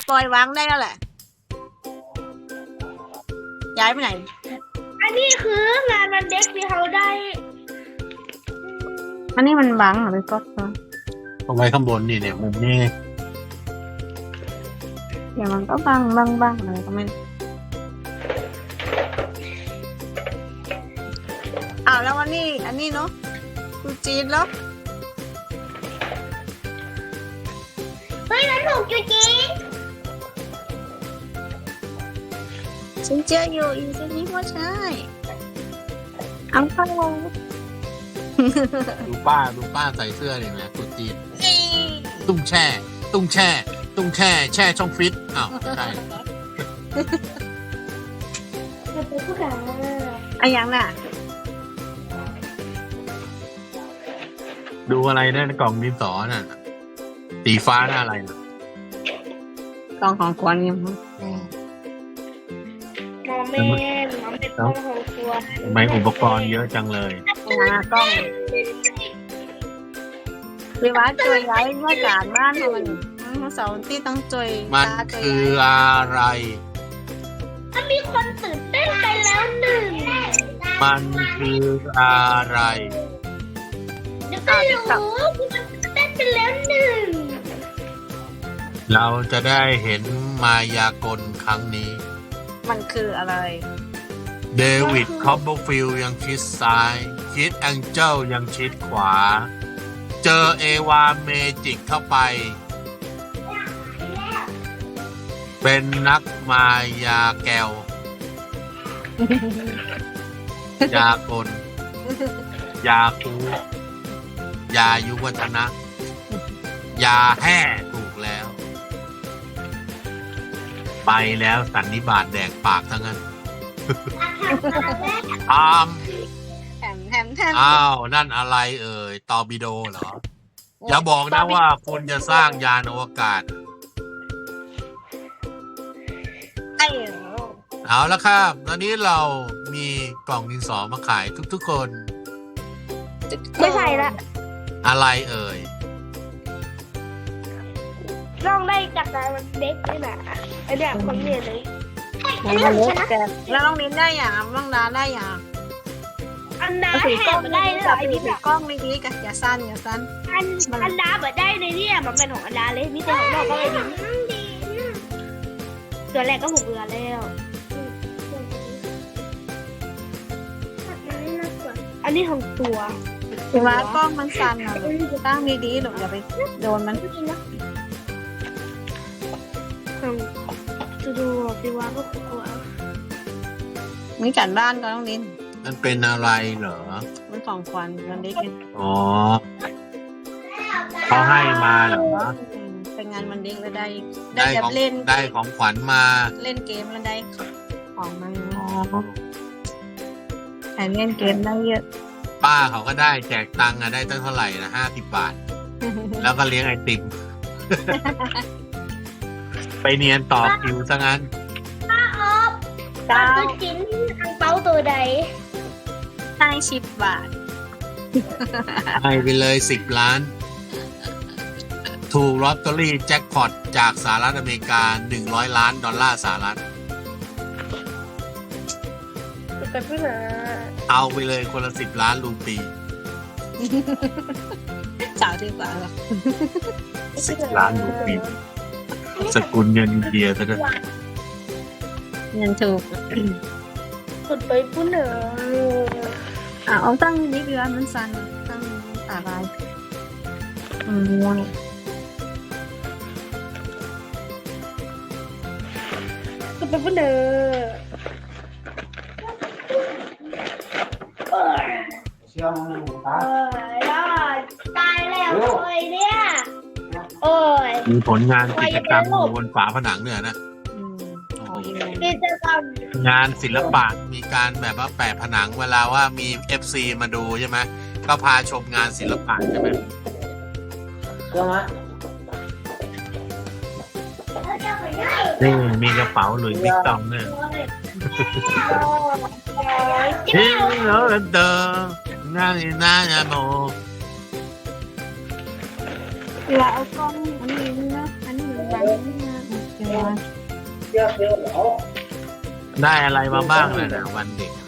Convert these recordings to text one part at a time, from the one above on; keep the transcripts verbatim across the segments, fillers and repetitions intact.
ปล่อยวางได้แล้วแหละย้ายไปไหนอันนี้คืองานวันเด็กที่เขาได้อันนี้มันบังเหรอพี่ก๊อฟเอาไว้ข้างบนนี่เนี่ยมุมนี้เดี๋ยวมันก็บังบังบังอะไรก็ไม่อ้าวแล้ววันนี้อันนี้เนาะกูจีนแล้วเฮ้ยมันถูกจริงฉันเจออยู่อีกสักนิดว่าใช่เอาเข้าดูป้าดูป้าใส่เสื้อเนี่ยนะตุ๊จีนตุ้งแช่ ตุ้งแช่ ตุ้งแช่แช่ช่องฟิตอ้าวใช่อะยังน่ะดูอะไรนะกล่องดินสอน่ะสีฟ้าหน้าอะไรนะกล่องของขวัญยังมอแม่มอแม่ต้องของครัวทำไมอุปกรณ์เยอะจังเลยนะกล้องพี่ว่าจอยย้ายเมื่อการบ้านมันเสาร์ที่ต้องจอยมันคืออะไรมันมีคนตื่นเต้นไปแล้วหนึ่งมันคืออะไรเดี๋ยวก็รู้มันตื่นเต้นไปแล้วหนึ่งเราจะได้เห็นมายากลครั้งนี้มันคืออะไรเดวิดคอปเปอร์ฟิลด์ยังชิดซ้ายคิดแองเจิลยังชิดขวาเจอเอวาเมจิกเข้าไปเป็นนักมายาแก้วยากลยาคูยายุวัฒนะ ยาแห่ถูกแล้วไปแล้วสันนิบาตแดกปากทั้งนั้นอามแถมแถมแถมอ้าวนั่นอะไรเอ่ยตอร์ปิโดเหรออย่าบอกนะว่าคุณจะสร้างยานอวกาศเอาละครับตอนนี้เรามีกล่องดินสอมาขายทุกๆคนไม่ใช่ละอะไรเอ่ยลองได้จากงานวันเด็กนี่แหละไอเนี้ยคนเรียนเลยอันนี้ของฉันนะแล้วน้องนิ้นได้อย่างน้องดาได้อย่างอันดาแอบมาได้เลยไอ้นี่แบบกล้องไม่ดีกันอย่าสั้นอย่าสั้นอันอันดาแบบได้เลยเนี่ยมันเป็นของอันดาเลยนี่เป็นของนอกก็เลยดีตัวแรกก็หกเดือนแล้วอันนี้ของตัวถือว่ากล้องมันสั่นอ่ะตั้งดีๆหรอกอย่าไปโดนมันจะดูสิว่าก็กลัวนี่จัดบ้านก็ต้องนินมันเป็นอะไรเหรอมันของขวัญมันเด็กอ๋อเขาให้มาเหรอเป็นงานวันเด็กแล้วได้ได้ของเล่นได้ของขวัญมาเล่นเกมแล้วได้ของมันใครเล่นเกมได้เยอะป้าเขาก็ได้แจกตังค์อะได้ตั้งเท่าไหร่นะห้าสิบบาทแล้วก็เลี้ยงไอติมไปเนียนต่อคิวซะงั้นป้าออฟตัวจิ้นอังเปาตัวใดให้สิบบาทให้ไปเลยสิบล้านถูกลอตเตอรี่แจ็คพอตจากสหรัฐอเมริกาหนึ่งร้อยล้านดอลลาร์สหรัฐเอาไปเลยคนละสิบล้านรูปีจ่ายดีกว่าหรอสิบล้านรูปีสกุลเงินอินเดียซะด้วยเงินถูกสุดไปปุ๊บเหรออ่ะเอาตั้งนิดเดียวมันสั่นตั้งอะไรอืมสุดไปปุ๊บเหรอเชื่อมึงตายแล้วตายแล้วเลยเนี่ยโอ้ยมีผลงานกิจกรรมบนฝาผนังเนี่ยนะกิจกรรมงานศิลปะมีการแบบว่าแปะผนังเวลาว่ามี เอฟ ซี มาดูใช่ไหมก็พาชมงานศิลปะใช่ไหมนี่มีกระเป๋าหลุยส์วิตตองเนี่ยเฮ้ยเหรอเดิมน่าน่าจะโมเราเอากล้องอันนี้นะอันนี้มันวางนี่นะเยอะเยอะเหรอได้อะไรมาบ้างเลยนะวันเด็กนะ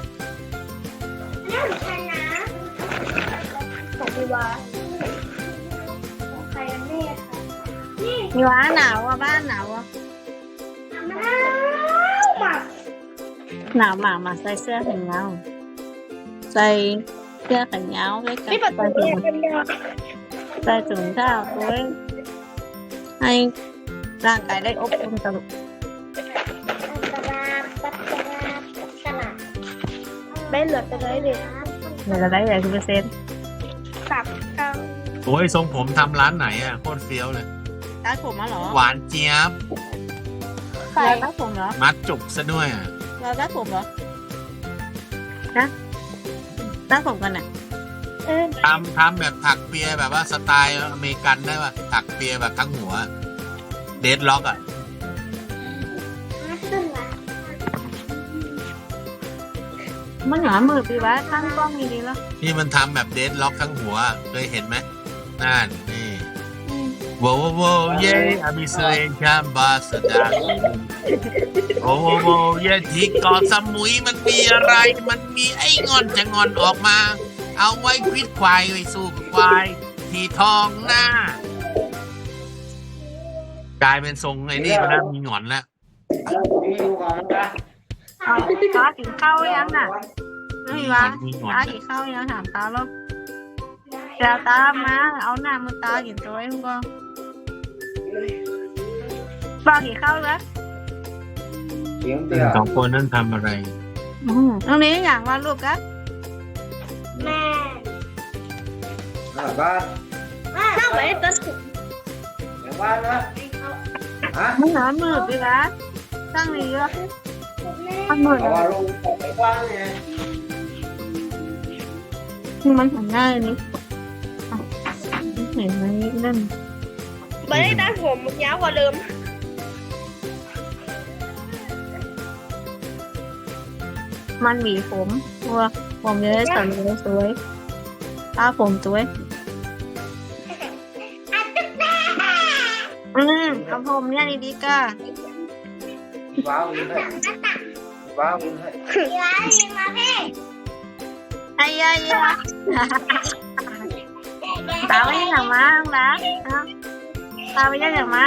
นี่ของฉันนะของพี่วาของใครกันแน่คะนี่มีว้าหนาวอ่ะบ้านหนาวอ่ะมะนาวหมักหนาวหมามาใส่เสื้อแขนยาวใส่เสื้อแขนยาวด้วยกันนี่ปัดใส่ตัวถุงกันยาใส่ถุงเท้าด้วยให้ร่างกายได้อบอุ่นตลอดตลาดตลาดตลาดได้เหลือแต่เลยเลยเดี๋ยวเราได้เลยทุกเปอร์เซ็นต์สับเกาโอ้ยทรงผมทำร้านไหนอ่ะโคตรเฟี้ยวเลยตัดผมมาเหรอหวานเจี๊ยบไข่เราตัดผมเหรอมัดจุกซะด้วยอ่ะเราตัดผมเหรอนะตัดผมกันอ่ะเออทำทำแบบถักเปียแบบว่าสไตล์อเมริกันได้ป่ะถักเปียแบบทั้งหัวเดดล็อกอ่ะขึ้นละมันหนามือปีว้าข้างกล้องดีๆแล้วที่มันทำแบบเดดล็อกทั้งหัวเคยเห็นไหมนั่นนี่โว้โว้เย่อามิเซเลนคัมบาสดาโว้โว้เย่ที่เกาะสมุยมันมีอะไร มันมีไอ้งอนจะงอนออกมา เอาไว้ควิดควายไว้สู้กับควายที่ท้องหน้า กลายเป็นทรงไอ้นี่มันแล้วมีหงอนแล้วมีดูก่อนนะเอาตากินข้าวยังน่ะไม่วะมีหงอนตากินข้าวยังถามตาแล้วเดี๋ยวตามาเอาหน้ามือตากินตัวไอ้พวกก็ปลากินข้าวแล้วเสียงเตี้ยสองคนนั้นทำอะไรตรงนี้อย่างว่าลูกกันแม่อ่าบ้านน่าไว้ตัวสุดเดี๋ยวบ้านนะฮะมันหนามือปีว้าตั้งนี้เยอะมันมือเอาว่าลงไปบ้านเนี่ยมันหันหน้านี่เห็นไหมนั่นไม่ได้ตัดผมยาวกว่าเดิมมันหวีผมว่าผมจะได้สวยสวยตาผมสวยอืมเอาผมเนี่ยดีๆก็ว้าวเลยว้าวเลยยายมาเพ่ไอ้ยายยาตาไม่ได้อย่างมาน้องดาตาไม่ได้อย่างมา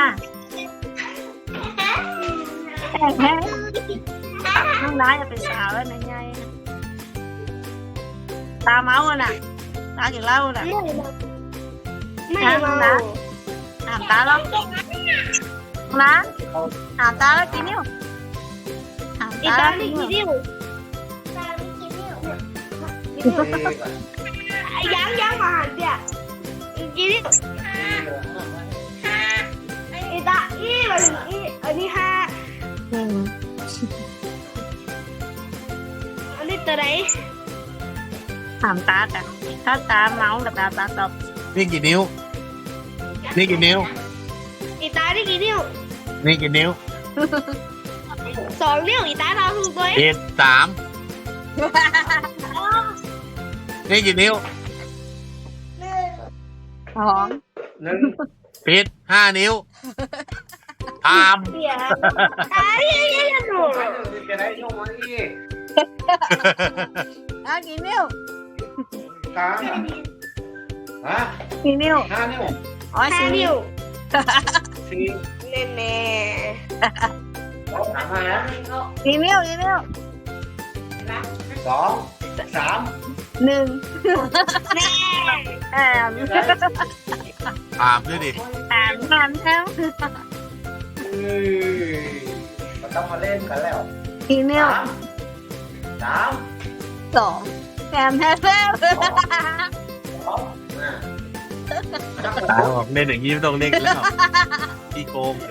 แฮ่น้องดาจะเป็นสาวแล้วนะยายตาเมาอ่ะน่ะตากินเหล้าน่ะไม่เมาถามตาแล้วนะถามตาแล้วกี่นิ้วถามอีตาตาแล้วลีกี่กี่นิ้วนิ้วยังยังมาหันเดียกี่นิ้วอีตาอีมันอีอันนี้ห้าอืมอันนี้ตัวไหนถามตากันถ้าตาเมากับตาตาตอบนี่กี่นิ้ว นี่กี่นิ้วอีตานี่กี่นิ้วนี่กี่นิ้วสองนิ้วอีตาเราคือตัวเอ็ดสามนี่กี่นิ้วสองหนึ่งผิดห้านิ้วทามเสียตาที่ยังยังหนูจะได้ช่วงวันนี้อ่ะกี่นิ้วสามฮะกี่นิ้วห้านิ้วอ๋อห้าสี่นิ้วสี่แน่แน่สามห้ากี่นิ้วกี่นิ้วสองสามหนึ่งแน่แอมถามด้วยดิแอมแอมแอมเฮ้ยมันต้องมาเล่นกันแล้วกี่นิ้วสามสามสองแอมแอมแอมสองอ่าตาบอกเล่นอย่างนี้ไม่ต้องเล่นแล้วพี่โกง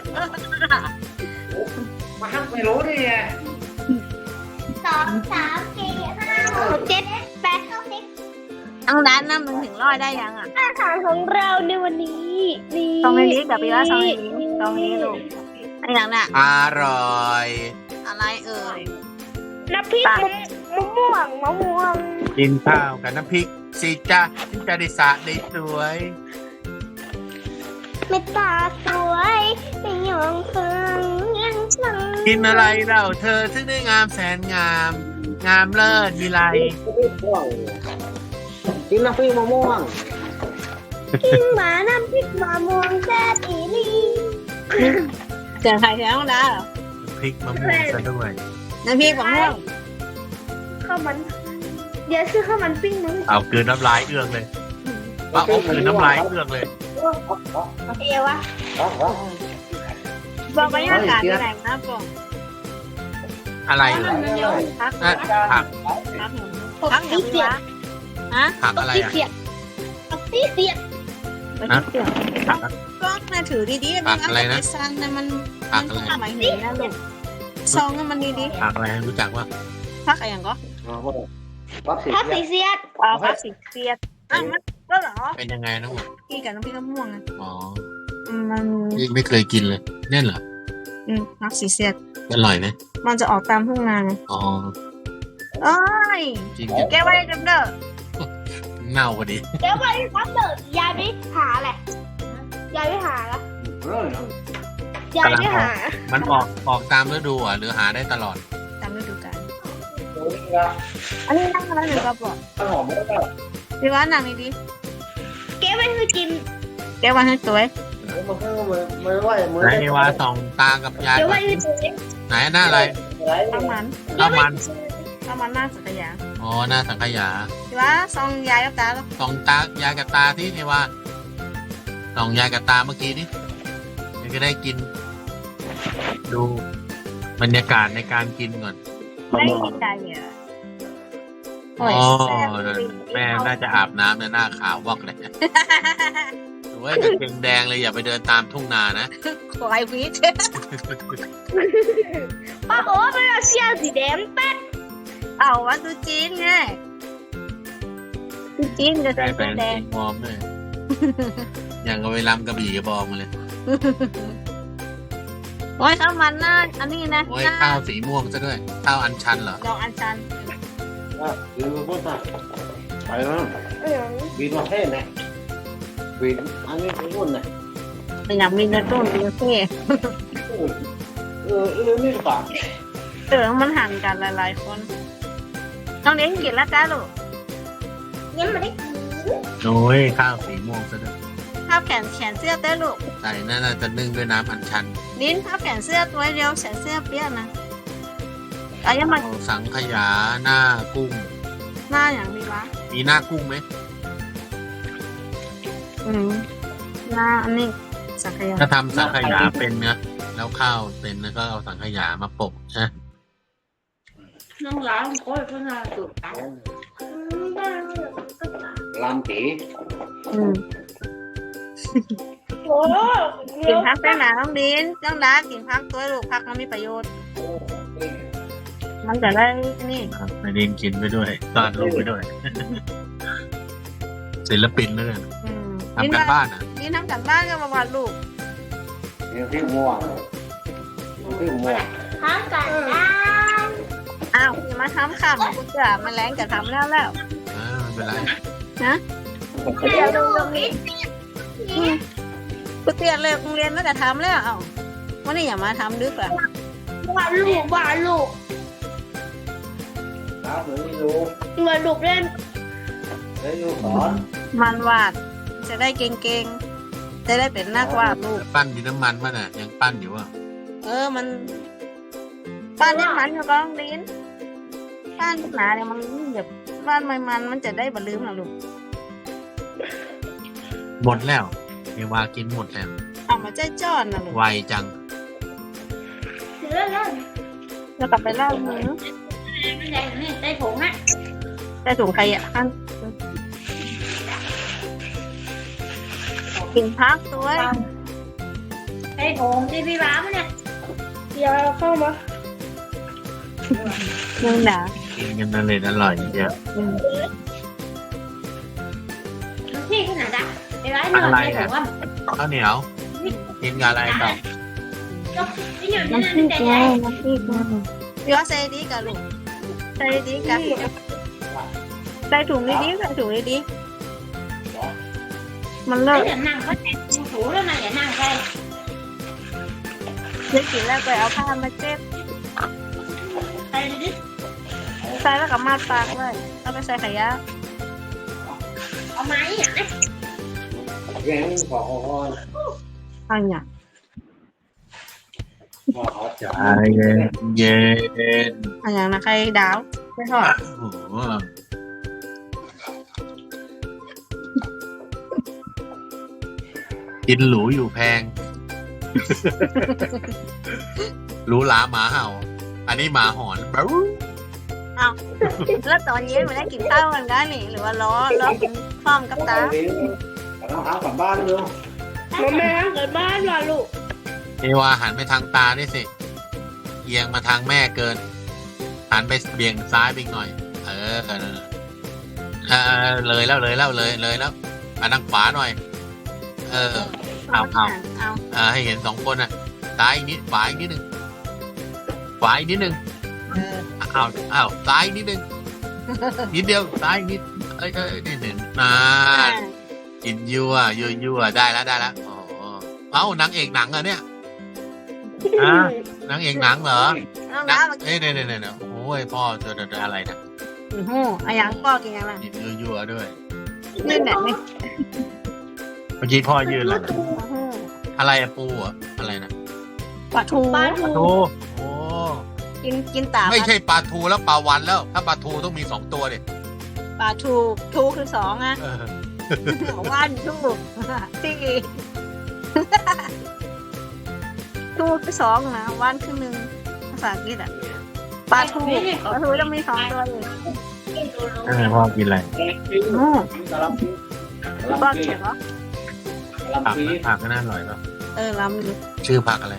มาฮักไม่รู้ดิไงสองสามสี่ห้าหกเจ็ดแปดเก้าสิบทั้งร้านน้ำมึงถึงร้อยได้ยังอ่ะอาหารของเราในวันนี้นี่ซองในนี้กับพี่ว่าซองในนี้ซองนี้ลูกไอ้หนังน่ะอร่อยอะไรเอ่ยน้ำพริกมะมะม่วงมะม่วงกินข้าวกับน้ำพริกสิจ้าถึงจะได้สระได้สวยเม็ดตาสวยไม่ยอมเฟื่องกินอะไรเล่าเธอซึ่งได้งามแสนงาม งามเลิศมีไรกินน้ำพริกมะม่วงกินหมาน้ำพริกมะม่วงแซ่บอีหลีเสียงใครเสียงน้องดาเหรอพริกมะม่วงซะด้วยน้ำพริกมะม่วงข้าวมันเดี๋ยวซื้อข้าวมันปิ้งมั้งเอาเกลือน้ำลายเอื้องเลยป้าเอาเกลือน้ำลายเอื้องเลยเอวะบอกบรรยากาศที่ไหนนะบอกอะไรเหรอพักอ่ะผักพักหนูพักหนูวะฮะผักอะไรอ่ะเสียบตีเสียบไม่ใช่เสียงผักก็มาถือดีๆผักอะไรนะไซันนะมันผัมักนอะไรก็หมายถึงนะลูกซองมันดีผักอะไรรู้จักว่าๆพักอะไรอย่างก็พักสีถ้าสีเสียดอ๋อพักสีเสียดอ่ะมันก็เหรอเป็นยังไงน้องหมดกินกับน้ำพริกมะม่วงนะอ๋ออืมมันนี่ไม่เคยกินเลยแน่นเหรออืมพักสีเสียดอร่อยไหมมันจะออกตามทุ่งนาไงอ๋อโอ้ยจริงจังแกไว้กันเด้อเน่าพอดีเดี๋ยววันพักเดินยายไปหาแหละยายไปหาละยายไปหามันออกออกตามฤดูอ่ะหรือหาได้ตลอดตามฤดูกาลอันนี้นั่งแล้วหนูก็บอกข้าวหอมไม่ได้พี่ว่านั่งดีเก็บไว้ให้กินๆแกวันให้ตัวมันก็ไม่ไหวมือไหนเอวาส่องตากับยายเก็บก่ไว้อนให้ตัวไหนหน้าอะไรประมาณข้าวมันประมาณหน้าสักอย่างอ๋อหน้าสังขยาพี่ว่าซองยายกับตาแล้วส่องตายายกับตาที่เอวาส่องยายกับตาเมื่อกี้นี่เดี๋ยวจะได้กิน ดูบรรยากาศในการกินก่อนไม่กินใจเหรอโอ้อ๋ยอแซ่บจริงแม่น่าจะอาบน้ำเนี่ยหน้าขาววอกเลยหรือว่ากางเกงแดงเลยอย่าไปเดินตามทุ่งนานะควายวิทย์ป้าบอกว่าเป็นเสื้อสีแดงแป๊ดเอาว่าตูจีนไงตูจีนจะได้ใส่แฟตัวน แดงสีมอมด้วยอย่างกับไปรำกระบี่กระบองมาเลยโอ้ยข้าวมันน่าอันนี้นะโอ้ยข้าวสีม่วงซะด้วย ข้าวอัญชันเหรอดอกอัญชันยืนพูดอ่ะไปแล้วบินมาเท่ไหมบินอันนี้พูดนะเป็นอย่างมีเนื้อต้นเป็นเท่เออเรื่องนี้ป่ะเออมันห่างกันหลายๆคนต้องเลี้ยงกินแล้วจ้าลูกยังไม่ได้กินโอ้ยข้าวสีม่วงซะด้วยภาพแขนแขนเสื้อเต้ลูกใส่น่าจะนึ่งด้วยน้ำอัญชันลิ้นภาพแขนเสื้อตัวเดียวแขนเสื้อเปี้ยนะเอายังมาเอาสังขยาหน้ากุ้งหน้าอย่างดีวะมีหน้ากุ้งไหมอืมหน้าอันนี้สักขยาถ้าทำสังขยาเป็นนะแล้วข้าวเป็นแล้วก็เอาสังขยามาโปะนะน้องร้านโอ้ยเพื่อนสุดลำตีอืมโอ้กินพักได้หนาต้องดินต้องดากินพักตัวลูกพักมันมีประโยชน์ มันจะได้นี่ครับไปเรียนกินไปด้วยตอนลูกไปด้วย ศิลปินเลยอืมทำกันบ้านอ่ะนี่ทำกันบ้านก็มาวาดลูกเรื่องที่ม่วงที่ม่วงทำกันได้อ้าวอย่ามาทำค่ะมันกูจะมาแรงจะทำแล้วแล้วอ่าไม่เป็นไรเดี๋ยวดูตรงนี้กูเตียนเลยโรงเรียนก็จะทำแล้วเอ้าวันนี้อย่ามาทำดึกอ่ะว่าลูกว่าลูกตาเหมือนไม่รู้เหมือนลูกเล่นได้รู้สอนมันวาดจะได้เก่งๆจะได้เป็นนักวาดลูกปั้นดินน้ำมันป่ะน่ะยังปั้นอยู่ว่ะเออมันบ้านนี้มันอยู่ก็ต้องดินบ้านหนาเนี่ยมันแบบบ้านไม่มันมันจะได้บรรลืมนะลูกหมดแล้วเอวากินหมดแล้วเอามาใจจอนนะลูกไวจังเดี๋ยวเล่นเล่นแล้วกลับไปเล่ามือไม่ได้นี่ได้ผงอ่ะได้ถุงใครอ่ะอันกินพักตัวได้ผงที่พี่บ้ามันเนี่ยเดี๋ยวเข้ามายังหนากินกันนั่นเลยอร่อยเยอะอืมพี่ขนาดอ่ะไอ้ร้านหน่อยได้ผงว่าข้าวเหนียวกินกับอะไรต่อไอ้หน่อยน้ำพนี่ริกได้ไงได้น้ำพริกไงพี่ว่าใส่ดีกับลูกใส่ดีกับใส่ถุงดีๆใส่ถุงดีๆมันเลิไอ้กเดี๋ยวนั่งเขาแต่งถูแล้วนะอย่านั่งใครได้กินแล้วก็เอาผ้ามาเจ็บไปดิใส่แล้วก็มาปากเลยเอาไปใส่ขยะเอาไม้อ่ะแกงขอขออันเนี่ยขอขอใจเย็นเย็นอันอย่างนะใครดาวไม่ทอดโอ้โหกินหรูอยู่แพง หรูหราหมาเห่า อันนี้หมาหอนบรูแล้วตอนเย็นมันได้กินข้าวกันได้นี่หรือว่าล้อล้อกินพร้อมกับตาเราเอากลับบ้านเลยมาแม่เกิดบ้านว่ะลูกเอวาหันไปทางตาด้วยสิ เอียงมาทางแม่เกิน หันไปเบี่ยงซ้ายไปอีกหน่อย เออเออเออเลยแล้วเลยแล้วเลยเลยแล้วอันทางขวาหน่อย เออ เอาเอาเอาเออให้เห็นสองคนน่ะซ้ายอีกนิดขวาอีกนิดนึงขวาอีกนิดนึงเอออ้าวอ้าวซ้ายอีกนิดนึงนิดเดียวซ้ายอีกนิดเอ้ยเอ้ยนิดหนึ่งนานกินยั่วยั่วยั่วได้แล้วได้แล้วโอ้โหเอ้านางเอกหนังเหรอเนี่ยฮะนางเอกหนังเหรอน้องนะน้ามากินเอ้ยเนี่ยเนี่ยเนี่ยโอ้ยพ่อเจอเจออะไรนะอื้อหืออันอย่างพ่อกินยังไงกินยั่วๆด้วยนี่แหละนี่เมื่อกี้พ่อยืนอะไรอื้อหืออะไรอะปูอะอะไรนะปลาทูปลาปลาทูทูโอ้กินกินตาไม่ใช่ปลาทูแล้วปลาวันแล้ว ถ้าปลาทูต้องมีสองตัวดิปลาทูทูคือสองอะเออว่านทูที่ทูคือสองนะว่านคือหนึ่งภาษาอังกฤษอะปลาทูปลาทูต้องมีสองตัวอยู่เออพ่อกินอะไรอือกะลำปีพ่อเขียนเหรอกะผักลำปีนะผักก็น่าอร่อยป่ะเออลำอยู่ชื่อผักอะไร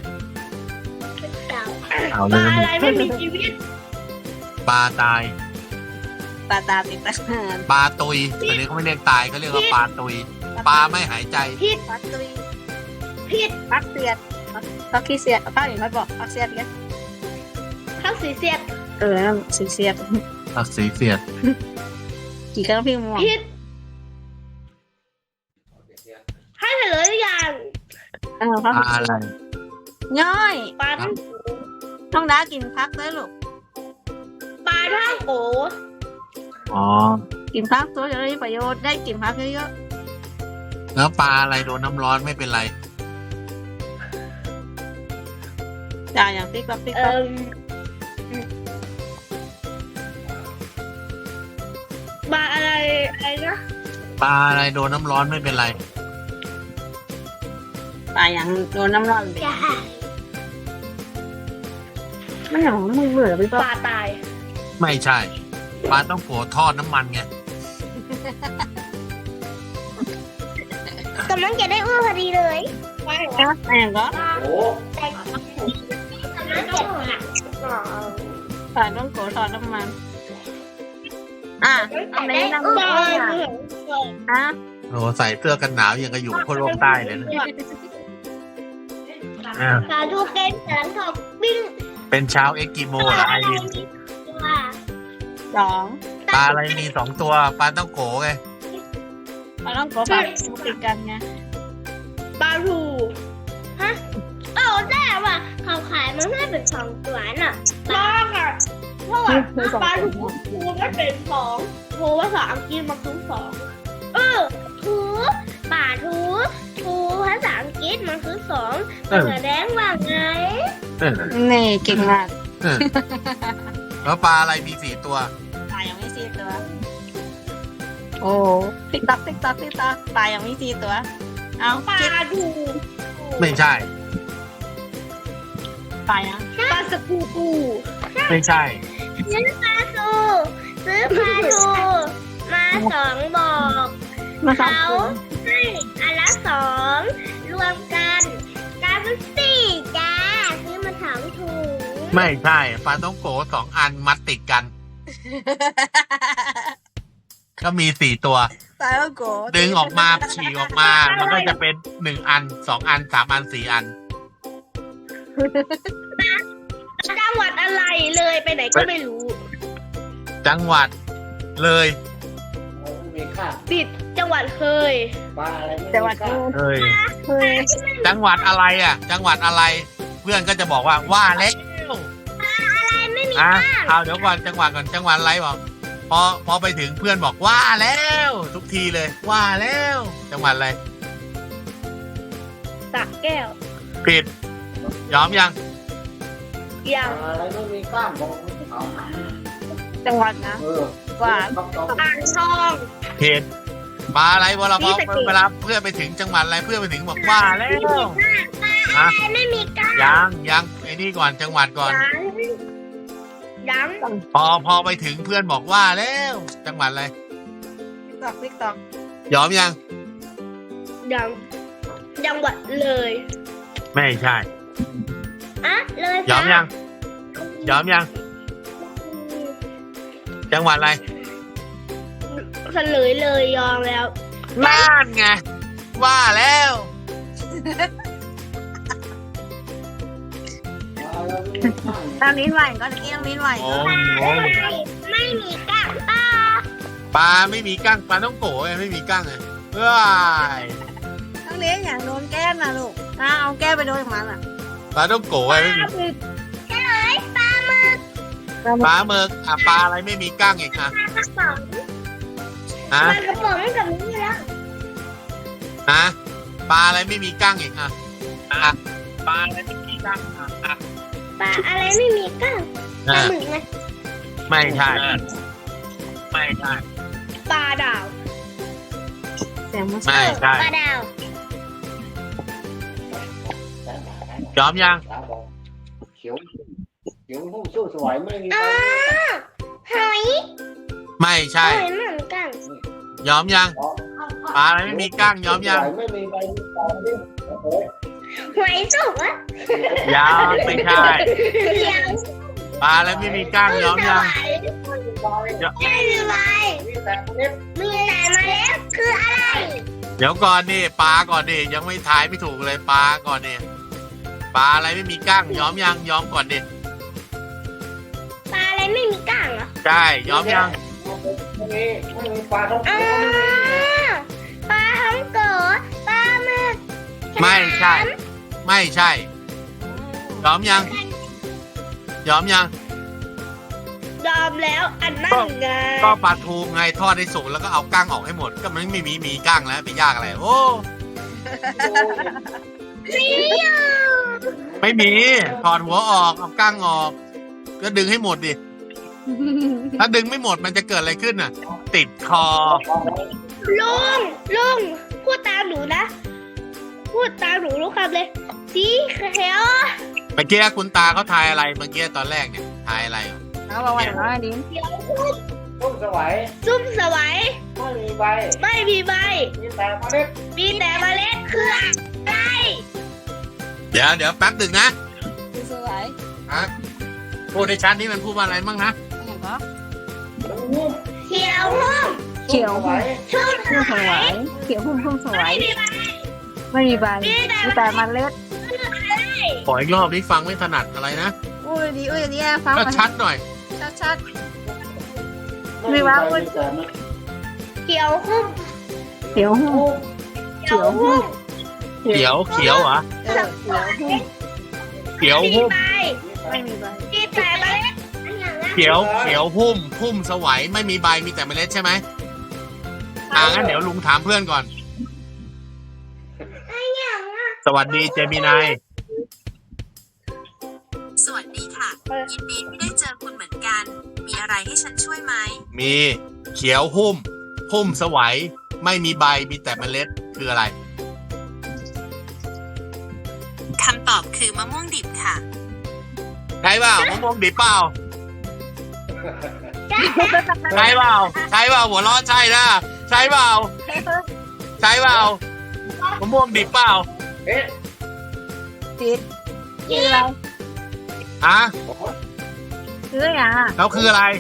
เอาปเลลาย อะไรไม่มีชีวิตปลาตายปลาตาติดตาปลาตุยอันนี้เขาไม่เรียกตายเขาเรียกว่าปลาตุย ปลาไม่หายใจผิดปลาตุยผิดปักเสียดปักขี้เสียดปักอย่างไรบอกปักเสียดกันข้าวสีเสียดเออนั่นสีเสียดผักสีเสียดกี่ครั้งพี่ม่วงผิดให้เฉลยหรือยังเออพักปลาอะไรย่อยปลาท่องน้องดากินพักด้วยลูกปลาท่องโกอ๋อกินพักตัวจะได้ประโยชน์ได้กินพักเยอะแล้วปลาอะไรโดนน้ำร้อนไม่เป็นไรๆจ่ายอย่างติ๊กต๊อกติ๊กเอ่ต๊อกอปลาอะไรอะไรนะปลาอะไรโดนน้ำร้อนไม่เป็นไรตายอย่างโดนน้ำร้อนไปอย่าไม่อย่างมึงเบื่อพี่ปป๊อลาตายไม่ใช่ ปลาต้องโกทอดน้ำมันไงกำลังจะได้อ้วนพอดีเลยใช่แองก็โอ้แต่กำลังจะหนักปลาต้องโกทอดน้ำมันอ่ะอันนี้น้ำอ้มันวนอ่ะโอ้ใส่เสื้อกันหนาวยังกระอยู่คนโลกใต้เลยนะอ่าปลาทูเกนหลังทองปิ้งเป็นชาวเอ็กกิโมเหรอไอรินว่าสองปลาอะไรมีสองตัว ปลาต้องโกไงปลาต้องโกปลาติดกันไงปลาทูฮะเออแต่ว่าเขาขายมันไม่เป็นสองตัวน่ะปลาค่ะเพราะว่าปลาทูทูมันเป็นสองทูภาษาอังกฤษมันคือสองเออทูปลาทูทูภาษาอังกฤษมันคือสองมันแสดงว่าไงเออนี่เก่งมากเออแล้วปลาอะไรมีสี่ตัวปลายังไม่สี่ตัว โอ้ติ๊กต๊อกติ๊กต๊อกติ๊กต๊อกปลายังไม่สี่ตัว เอาปลาคิดทูไม่ใช่ปลายังปลาสกูปูไม่ใช่ซื้อปลาทูซื้อปลาทูมาสองบอกมาสองเขาตัวให้อันละสองรวมกันกลายเป็นสี่จ้าซื้อมาถามถุงไม่ใช่ปลาต้องโกสองอันมัดติดกัน ก็มีสี่ตัวปลาต้องโกดึงออกมาฉีกออกมา มันก็จะเป็นหนึ่งอันสองอันสามอันสี่อันจังหวัดอะไรเลยไปไหนก็ไม่รู้จังหวัดเลยมีค่าติดจังหวัดเคยปลาอะไรไม่แต่ว่ามีค่าเอ้ยเฮ้ยจังหวัดอะไรอ่ะ จังหวัดอะไรเพื่อนก็จะบอกว่าว่าแล้วอะไรไม่มีอ่ะก้างเอาเดี๋ยวก่อนจังหวะก่อนจังหวะอะไรบอกพอพอไปถึงเพื่อนบอกว่าแล้ว ทุกทีเลยว่าแล้วจังหวะอะไรสระแก้วผิดยอมยังยังอะไรไม่มีกล้ามบอกเอาจังหวัดนะเออหวานต้องต้องอ่างทองผิดปลาอะไรเวลานี่พอสะเก็ดเวลาเพื่อนไปถึงจังหวัดอะไรเพื่อนไปถึงบอกว่าแล้วปลาอะไรไม่มีก้างยังยังไอ้นี่ก่อนจังหวัดก่อนยังยังพอพอไปถึงเพื่อนบอกว่าแล้วจังหวัดอะไรตอกติ๊กตอกยอมยังยังจังหวัดเลยไม่ใช่อะเลยยอมยังยอมยังจังหวัดอะไรเฉลยเลยยอมแล้วน่านไงว่าแล้วอะไรไม่มีกล้ามน้ำลิ้นไหวก่อนเมื่อกี้น้ำลิ้นไหวโอ้ก่อนยโอ้ยไม่มีก้างปลาปลาไม่มีกั้งปลาต้องโกะไงไม่มีกั้งไงว้ายน้ำลิ้นอย่างโดนแก้มนะลูกอ่ะเอาแก้มไปโดนของมันอ่ะปลาต้องโกะไงไม่มีเฉลยปลาหมึกปลาหมึกอ่ะปลาอะไรไม่มีกั้งอีกอ่ะปลากระป๋องฮะปลากระป๋องกับนี่แล้วฮะปลาอะไรไม่มีกั้งอีกอ่ะอ่ะปลาอะไรไม่มีกั้งอ่ะอ่ะปลาอะไรไม่มีก้างปลาอ่ะหมึกไงไม่ใช่ไม่ใช่ปลาดาวเสียงมันไม่ใช่ปลาดาวยอมยังตาบอกเขียวเขียวหุ้มสู้สวยไม่มีอ๋ใบอหอยไม่ใช่หอยเหมือนกันยอมยังปลาอะไรไม่มีกั้งยอมยังสวไม่มีใบมีตาดิโอ้โหหอยสุกอะยังไม่ใช่เลี้ยงปลาอะไรไม่มีกั้งยอมยังไม่มีใบมีแต่เล็บมีแต่เมล็ดคืออะไรเดี๋ยวก่อนนี่ปลาก่อนดิยังไม่ทายไม่ถูกเลยปลาก่อนนี่ปลาอะไรไม่มีกั้งยอมยังยอมก่อนดิปลาอะไรไม่มีก้างเหรอใช่ยอมยังไม่มีไม่มีปลาท้องอ๋โกอไม่มีปลาฮังโกะปลาหมึกไม่ใช่ ไม่ใช่ยอมยังยอมยังยอมแล้วอันนั่นไงก็ปลาทูไงทอดให้สุกแล้วก็เอากั้งออกให้หมดก็มันไม่มีมีกั้งแล้วไปยากอะไรโอ้นี่อ่ะไม่มีถอดหัวออกเอากั้งออก ก็ดึงให้หมดดิถ้าดึงไม่หมดมันจะเกิดอะไรขึ้นน่ะ ติดคอลุงลุงพูดตามหนูนะพูดตามหนูรู้คำเลยสีเขียวเมื่อกี้คุณตาเขาทายอะไรเมื่อกี้ตอนแรกเนี่ยทายอะไรเอาบอกว่าอย่างน้อยลิ้นเขียวคุ้มต้นสวยซุ่มสวัยไม่มีใบไม่มีใบมีแต่เมล็ดมีแต่เมล็ดคืออะไรเดี๋ยวเดี๋ยวแป๊บหนึ่งนะคือสวยฮะพูดในชั้นนี้มันพูดว่าอะไรบ้างนะอย่างก็หุ้มเขียวหุ้มเขียวสวยชุ่มหุ้มสสววย ยเขียวหุ้มหุ้มสวไม่ยมีใบไม่มีใบมีแต่เมันเล็ดคืออะไรขออีกรอบนี้ฟังไม่ถนัดอะไรนะอุ้ยดีอุ้ยดีอ่ะฟังก็มาชัดหน่อยชัดชัดไม่มีใบมีแต่เมล็ดเขียวหุ้มเขียวหุ้มเขียวหุ้มเขียวเขียวเหรอเออเขียวหุ้มเขียวหุ้มไม่มีใบมีแต่เมล็ดอันอย่างนั้นเขียวเขียวหุ้มหุ้มสวัยไม่มีใบมีแต่เมล็ดใช่ไหมอ่างั้นเดี๋ยวลุงถามเพื่อนก่อนอันอย่างนั้นสวัสดีเจมินายสวัสดีค่ะ ยินดีที่ได้เจอคุณเหมือนกัน มีอะไรให้ฉันช่วยไหมมีเขียวหุ้มหุ้มสวัยไม่มีใบมีแต่เมล็ดคืออะไรคำตอบคือมะม่วงดิบค่ะใช่เปล่ามะม่วงดิบเปล่าใช่เปล่าใช่เปล่าหัวเร้อนใช่นะใช่เปล่าใช่เปล่ามะม่วงดิบเปล่าเอ๊ะติดคืออะไรฮะคืออย่างอ่ะแล้วคืออะไร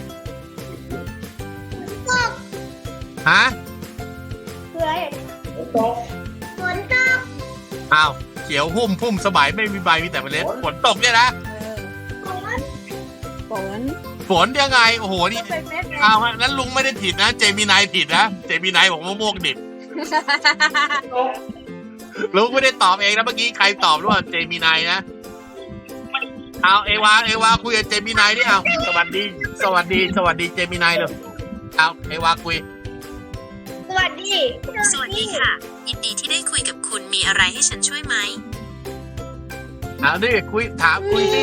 ฮะคืออะไรตกฝนตกอ้าวเขียวหุ้มหุ้มสบายไม่มีใบมีแต่เมล็ดฝนตกเนี่ยนะเออฝนฝนฝนยังไงโอ้โหนี่เป็นเม็ดไงอ้าวนั้นลุงไม่ได้ผิดนะเจมินายผิดนะเจมินายบอกมะม่วงดิบตกลุงไม่ได้ตอบเองนะเมื่อกี้ใครตอบหรือว่าเจมินายนะเอาเอวาเอวาคุยกับเจมินายดิเอาสวัสดี สวัสดี สวัสดีเจมินายเลยเอาเอวาคุยสวัสดีสวัสดีค่ะ ยินดีที่ได้คุยกับคุณมีอะไรให้ฉันช่วยไหมเอาดิคุยถามคุยสิ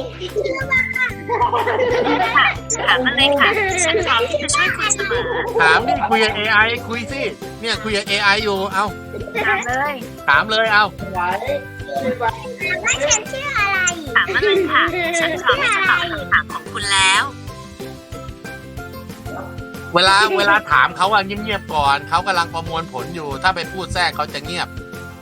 ถามมาเลยค่ะ ฉันพร้อมที่จะช่วยคุณเสมอถามดิคุยกับ เอ ไอ คุยสิเนี่ยคุยกับ เอ ไอ อยู่เอาถามเลยถามเลยเอาว่าฉันชื่ออะไรถามมาเลยค่ะ ฉันพร้อมที่จะตอบคำถามของคุณแล้วเวลาเวลาถามเขาอะเงียบๆก่อนเขากำลังประมวลผลอยู่ ถ้าไปพูดแทรกเขาจะเงียบ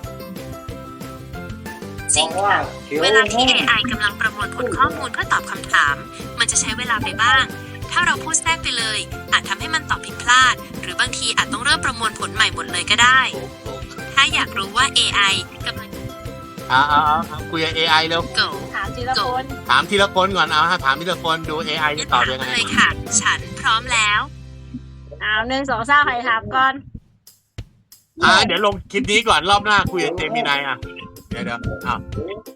จริงค่ะ เวลาที่ เอ ไอ กำลังประมวลผลข้อมูลเพื่อตอบคำถาม มันจะใช้เวลาไปบ้าง ถ้าเราพูดแทรกไปเลย อาจทำให้มันตอบผิดพลาด หรือบางทีอาจต้องเริ่มประมวลผลใหม่หมดเลยก็ได้ ถ้าอยากรู้ว่า เอ ไอ กำลังเอาเอาเอาเอาคุยกับ เอ ไอ เร็ว go ถามทีละคนถามทีละคนก่อนเอาฮะถามทีละคนดู เอ ไอ จะตอบยังไงถามมาเลยค่ะ ฉันพร้อมแล้วเอาหนึ่งสองสามใครถามก่อนอ่าเดี๋ยวลงคลิปนี้ก่อนรอบหน้าคุยกับเจมินายอ่ะเดี๋ยวเดี๋ยวอ้าว